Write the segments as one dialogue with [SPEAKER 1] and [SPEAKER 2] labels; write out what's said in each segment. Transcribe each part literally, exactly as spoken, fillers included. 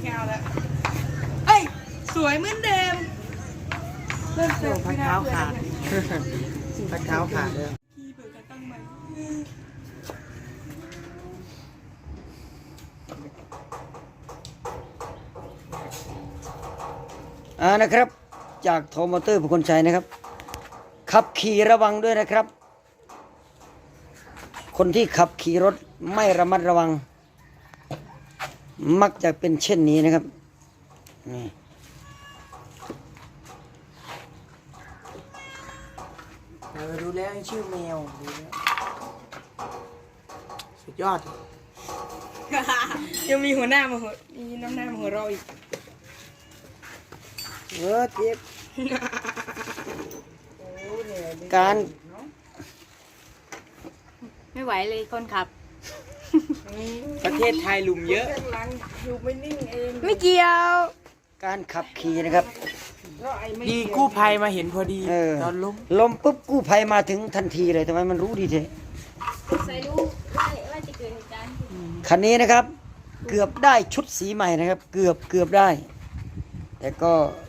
[SPEAKER 1] แก้วแล้วเอ้ยสวยเหมือนเดิมเริ่มเติม
[SPEAKER 2] พักเท้าขาดพักเท้าขาดเลย
[SPEAKER 1] พี่เปิดการตั้งใหม่
[SPEAKER 3] อ่านะครับจากโทมอเตอร์บุคคลชัยนะครับขับขี่ระวังด้วยนะครับ คนที่ขับขี่รถไม่ระมัดระวังมักจะเป็นเช่นนี้นะครับนี่
[SPEAKER 2] เราดูแล้วชื่อแมวดูแล้วสุดยอด
[SPEAKER 1] ยังมีหัวหน้ามาหัวมีน้ำหน้ามาหัวเราอีก
[SPEAKER 2] เออเจ็บ
[SPEAKER 3] การ
[SPEAKER 4] ไม่ไหวเลยคนขับ
[SPEAKER 2] ประเทศไทยหลุมเยอะ
[SPEAKER 1] ข้างหลังอยู่ไม่นิ่งเอง
[SPEAKER 4] ไม่เกี่ยว
[SPEAKER 3] การขับขี่นะครับ
[SPEAKER 1] เราไอ้ไม่
[SPEAKER 2] ดีกู้ภัยมาเห็นพอดี
[SPEAKER 3] เออ
[SPEAKER 2] ตอนล้ม
[SPEAKER 3] ลมปุ๊บกู้ภัยมาถึงทันทีเลยทำไมมันรู้ดีเท
[SPEAKER 4] ใส่รู้ว่าว่าจะเกิดเหตุการณ์
[SPEAKER 3] คันนี้นะครับ เกือบได้ชุดสีใหม่นะครับ เกือบเกือบได้ แต่ก็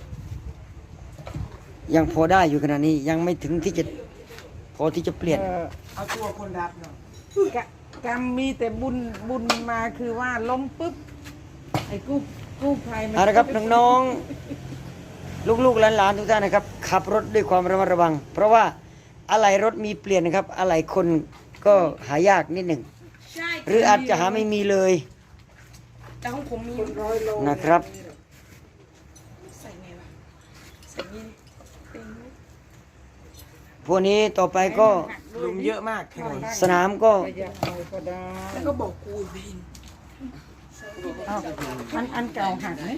[SPEAKER 3] ยังพอได้อยู่ขนาดนี้ยังไม่ถึงที่จะพอที่จะเปลี่ยน
[SPEAKER 1] เออ
[SPEAKER 2] เอาตัวคนรับหน่อย
[SPEAKER 1] กะกรรมมีแต่บุญบุญมาคือว่าล้มปุ๊บไอ้กู้กู้ภัยมัน
[SPEAKER 3] เอาละครับน้องๆลูกๆหลานๆทุกท่านนะครับ ขับรถด้วยความระมัดระวัง เพราะว่าอะไหล่รถมีเปลี่ยนนะครับอะไหล่คนก็หายากนิดหนึ่ง
[SPEAKER 1] ใช่
[SPEAKER 3] หรืออาจจะหาไม่มีเลย
[SPEAKER 1] แต่ของผมมี
[SPEAKER 2] ร้อยโล
[SPEAKER 3] นะครับ
[SPEAKER 1] ใส่ไงวะใส่นี่เป็นไหม
[SPEAKER 3] พวกนี้ต่อไปก็
[SPEAKER 2] หลุมเยอะมากถนน
[SPEAKER 3] สนามก็
[SPEAKER 1] ประหยัดหน่อยก็ได้แล้วก็บอกกูเวนอ้าวอันอันเก่าหักไหม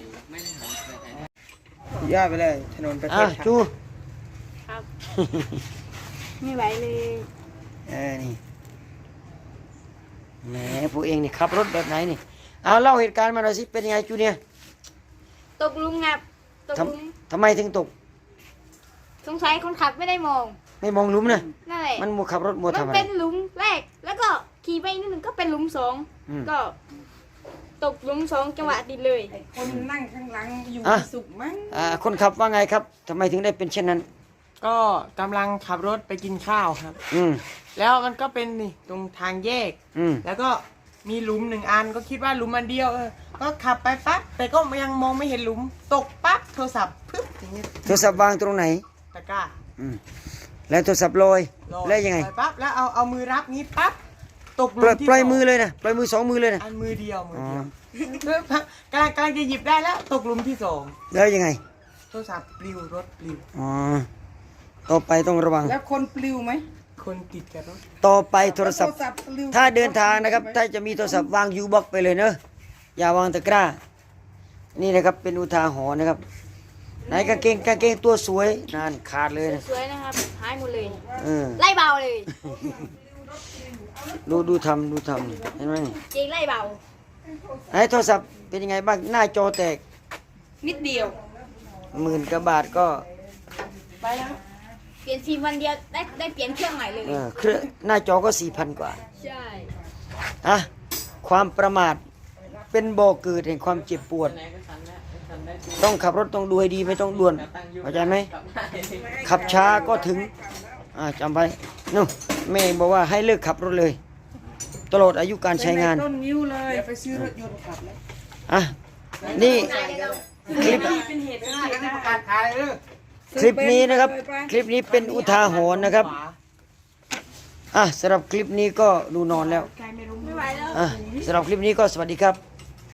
[SPEAKER 2] ยอดไปเลยถนนประเท
[SPEAKER 3] อ่ะ
[SPEAKER 2] ศไทย
[SPEAKER 3] จู
[SPEAKER 4] ครับ ไม่ไหวเลย
[SPEAKER 3] เออนี่แหมพวกเองนี่ขับรถแบบไหนนี่เอาเล่าเหตุการณ์มาหน่อยสิเป็นยังไงจูเนี่ย
[SPEAKER 4] ตกหลุมงับตก
[SPEAKER 3] ท
[SPEAKER 4] หลุม
[SPEAKER 3] ำทำไมถึงตก
[SPEAKER 4] สงสัยคนขับไม่ได้มอง
[SPEAKER 3] ไม่มองหลุมนะ
[SPEAKER 4] นั่นแหละ
[SPEAKER 3] มันมัวขับรถมัว
[SPEAKER 4] มัน
[SPEAKER 3] ทำอะไร
[SPEAKER 4] เป็นหลุมแรก แล้วก็ขี่ไปนิดหนึ่งก็เป็นหลุมสอง
[SPEAKER 3] อืม
[SPEAKER 4] ก็ ตกหลุมสองจังหวะติดเลย
[SPEAKER 1] ไอ้คนนั่งข้างหลังอยู่
[SPEAKER 3] อ่ะ
[SPEAKER 1] สุขมั้ง
[SPEAKER 3] อ่าคนขับว่าไงครับทำไมถึงได้เป็นเช่นนั้น
[SPEAKER 2] ก็กำลังขับรถไปกินข้าวครับ
[SPEAKER 3] อืม
[SPEAKER 2] แล้วมันก็เป็นนี่ตรงทางแยก
[SPEAKER 3] อืม
[SPEAKER 2] แล้วก็มีหลุมหนึ่งอันก็คิดว่าหลุมอันเดียวเออก็ขับไปปั๊บแต่ก็ยังมองไม่เห็นหลุม ตกปั๊บโทรศัพท์ปึ๊บอย่างนี้
[SPEAKER 3] โทรศัพท์วางตรงไหน
[SPEAKER 2] ตะกร้า
[SPEAKER 3] อืมแล้วโทรศัพท์ลอย
[SPEAKER 2] ลอย
[SPEAKER 3] แล้วยังไง
[SPEAKER 2] ปปั๊บแล้วเอาเอามือรับนี้ปั๊บตกห
[SPEAKER 3] ปล่
[SPEAKER 2] ลุ
[SPEAKER 3] อย
[SPEAKER 2] มที่
[SPEAKER 3] ปล่อย
[SPEAKER 2] สง
[SPEAKER 3] มือเลยนะปล่อยมือสองมือเลยนะ
[SPEAKER 2] อันมือเดียวมือ
[SPEAKER 3] อ๋อ
[SPEAKER 2] เดียวกำลังกำลังจะหยิบได้แล้วตกหลุมที่สอง
[SPEAKER 3] แล้วยังไง
[SPEAKER 2] โทรศัพท์ปลิวรถปลิว
[SPEAKER 3] อ๋อต่อไปต้องระวัง
[SPEAKER 1] แล้วคนปลิวไหม
[SPEAKER 2] คนติดกับรถ
[SPEAKER 3] ต่อไปโทรศัพท์
[SPEAKER 1] โทรศัพท์ปลิว
[SPEAKER 3] ถ้าเดินทางนะครับ ถ้าจะมีโทรศัพท์วางยูบ็อกไปเลยเนอะอย่าวางตะกร้า นี่นะครับเป็นอุทาหรณ์นะครับไหนกางเกงกางเกงตัวสวยนั่นขาดเลยนะ
[SPEAKER 4] สวยนะครับ หายหมดเลย
[SPEAKER 3] เออ
[SPEAKER 4] ไล่เบาเลย
[SPEAKER 3] ดูดูทำดูทำเห็นไหมนี่
[SPEAKER 4] จริงไล่เบา
[SPEAKER 3] ไหนโทรศัพท์เป็นยังไงบ้างหน้าจอแตก
[SPEAKER 1] นิดเดียว
[SPEAKER 3] หมื่นกว่าบาทก็
[SPEAKER 1] ไปแล้ว
[SPEAKER 4] เปลี่ยนฟิล์มวันเดียวได้ได้เปลี่ยนเครื่องใหม่เลย
[SPEAKER 3] เออเครื่องหน้าจอก็สี่พันกว่า
[SPEAKER 4] ใช่
[SPEAKER 3] อ่ะความประมาทเป็นบ่อเกิดแห่งความเจ็บปวด ต้องขับรถต้องดูให้ดีไม่ต้องด่วนเข้าใจไหมขับช้าก็ถึงอ่าจำไว้นู่นแม่บอกว่าให้เลิกขับรถเลย ตลอดอายุการใช้งาน
[SPEAKER 1] ต้นนิ้วเลย
[SPEAKER 2] เดี๋ยวไปซื้อรถยนต์ขับแล้ว
[SPEAKER 3] อ่ะนี่คลิป
[SPEAKER 1] เป็นเหตุเป็นเหตุ
[SPEAKER 2] ประกาศขายเออ
[SPEAKER 3] คลิปนี้นะครับ คลิปนี้เป็นอุทาหรณ์นะครับอ่ะสำหรับคลิปนี้ก็ดูนอนแล้ว
[SPEAKER 1] ใครไม่รู้
[SPEAKER 4] ไม่ไหวแล้ว
[SPEAKER 3] อ่ะสำหรับคลิปนี้ก็สวัสดีครับ